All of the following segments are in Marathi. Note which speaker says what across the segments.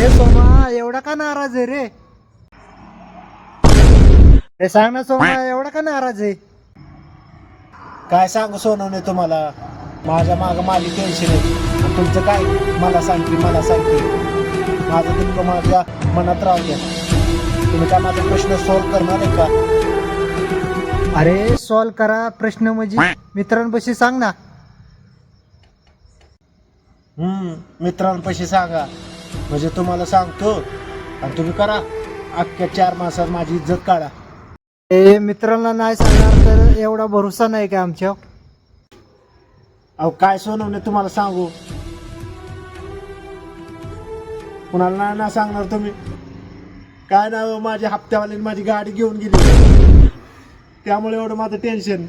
Speaker 1: अरे सोमा एवढा का नाराज आहे रे? अरे सांग ना सोमा, एवढा का नाराज आहे?
Speaker 2: काय सांगू सोनवणे तुम्हाला, माझ्या मागं माझी टेन्शन आहे. आणि तुमचं काय, मला सांगते माझं दुःख माझ्या मनात राहू द्या. तुम्ही काय माझा प्रश्न सॉल्व्ह करणार आहे का?
Speaker 1: अरे सॉल्व करा प्रश्न म्हणजे मित्रांपाशी सांग ना.
Speaker 2: मित्रांपाशी सांगा म्हणजे तुम्हाला सांगतो आणि तुम्ही करा. अख्ख्या 4 मासात माझी इज्जत काढा.
Speaker 1: ए मित्रांना नाही सांगणार तर एवढा भरोसा नाही का आमच्या?
Speaker 2: अहो काय सोनवणे तुम्हाला सांगू, कुणाला नाही सांगणार तुम्ही. काय ना माझ्या हप्त्यावाल्याने माझी गाडी घेऊन गेली, त्यामुळे एवढं माझं टेन्शन.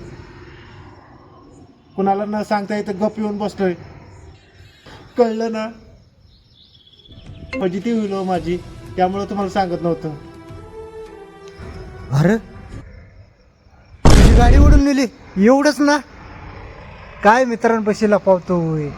Speaker 2: कुणाला न सांगता इथं गप येऊन बसतोय. कळलं ना, पॉझिटिव्ह होईल माझी, त्यामुळे तुम्हाला सांगत नव्हतं.
Speaker 1: अरे तुझी गाडी ओढून नेली एवढंच ना? काय मित्रांपाशी लपवतोय?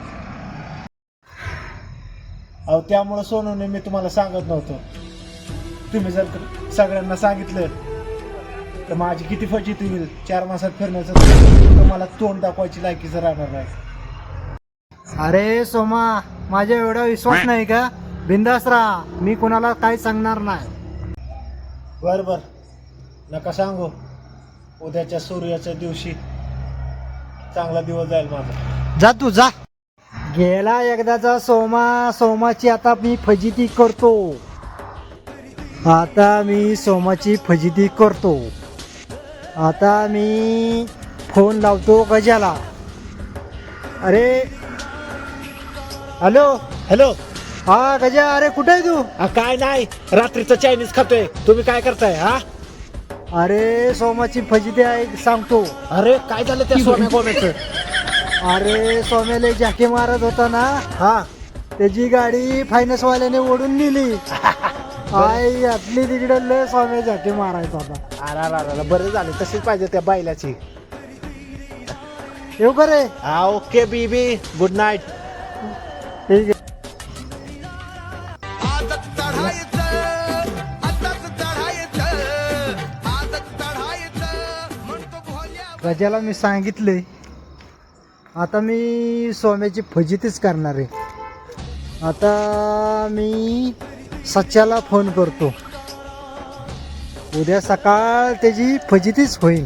Speaker 2: अहो त्यामुळे सोनवणे मी तुम्हाला सांगत नव्हतो. तुम्ही जर सगळ्यांना सांगितलं तर माझी किती फजिती होईल. 4 मासात फिरण्याचं तर मला तोंड दाखवायची लायकीच राहणार नाही.
Speaker 1: अरे सोमा, माझ्या एवढा विश्वास नाही का? बिंदास राहा, मी कोणाला काय सांगणार नाही.
Speaker 2: बर नका सांगू. उद्याच्या सूर्याच्या दिवशी चांगला दिवस जाईल माझा.
Speaker 1: जा तू जा. गेला एकदाचा सोमाची आता मी फजिती करतो. आता मी फोन लावतो गजाला. अरे हॅलो. हा गजा, अरे कुठे आहे तू?
Speaker 2: काय नाही, रात्रीचं चायनीज खातोय. तुम्ही काय करताय?
Speaker 1: अरे सोमाची फजिती आहे सांगतो.
Speaker 2: अरे काय झालं त्या सोन्या गोम्याचं?
Speaker 1: अरे सोम्याला झाके मारत होता ना, त्याची गाडी फायनान्स वाल्याने ओढून नेली. आई यातली तिकडे लय सोम्या झाके मारायचा होता.
Speaker 2: अरे बरं झालं, तशीच पाहिजे त्या बैलाची.
Speaker 1: येऊ का रे?
Speaker 2: ओके बीबी, गुड नाईट.
Speaker 1: ठीक आहे. गजाला मी सांगितले, आता मी सोम्याची फजितीच करणार आहे. आता मी सच्याला फोन करतो. उद्या सकाळ त्याची फजितीच होईल.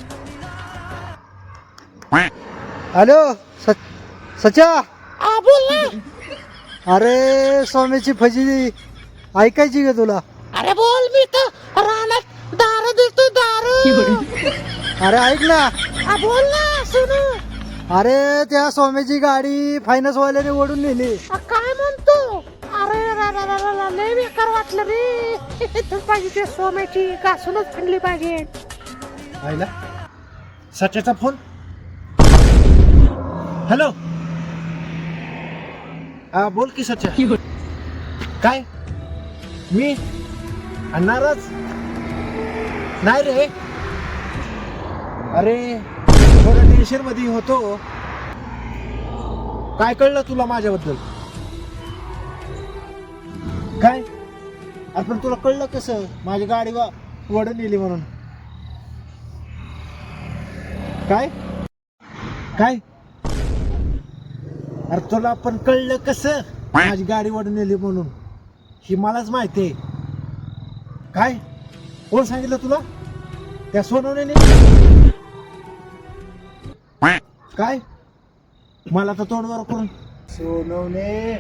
Speaker 1: हॅलो सच्या,
Speaker 3: बोल ना.
Speaker 1: अरे सोम्याची फजिती ऐकायची का तुला?
Speaker 3: अरे बोल, मी तर रानात दारू देतो दारू.
Speaker 1: अरे ऐक ना.
Speaker 3: बोल ना सुनू.
Speaker 1: अरे त्या सोम्याची गाडी फायनान्स वाल्याने ओढून नेली.
Speaker 3: काय म्हणतो? अरे लय बेकार वाटलं रे. तू पाहिजे ते सोम्याची घासूनच आणली पाहिजे.
Speaker 2: आईला सच्याचा फोन. हॅलो. बोल की सच्या. काय मी नाराज नाही रे. अरे थोडं टेन्शन मध्ये होतो. काय कळलं तुला माझ्याबद्दल? काय? आपण तुला कळलं कसं माझी गाडी वडून नेली म्हणून? काय काय अरे तुला पण कळलं कसं माझी गाडी वडून नेली म्हणून? ही मलाच माहिती आहे. काय कोण सांगितलं तुला? त्या सोनवणे. काय मला तर तोंडवर करून सोनवणे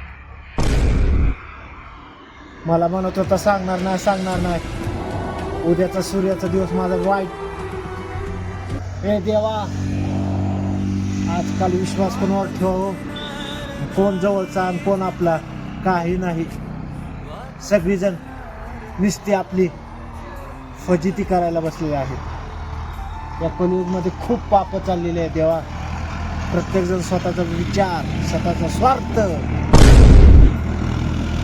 Speaker 2: मला म्हणत होता सांगणार नाही. उद्याचा सूर्याचा दिवस माझा वाईट. हे देवा, आजकाल विश्वास कोणावर ठेव, कोण जवळचा आणि कोण आपला काही नाही. सगळीजण नुसती आपली फजिती करायला बसलेली आहेत. या कलियुगमध्ये खूप पाप चाललेले आहे देवा. प्रत्येकजण स्वतःचा विचार, स्वतःचा स्वार्थ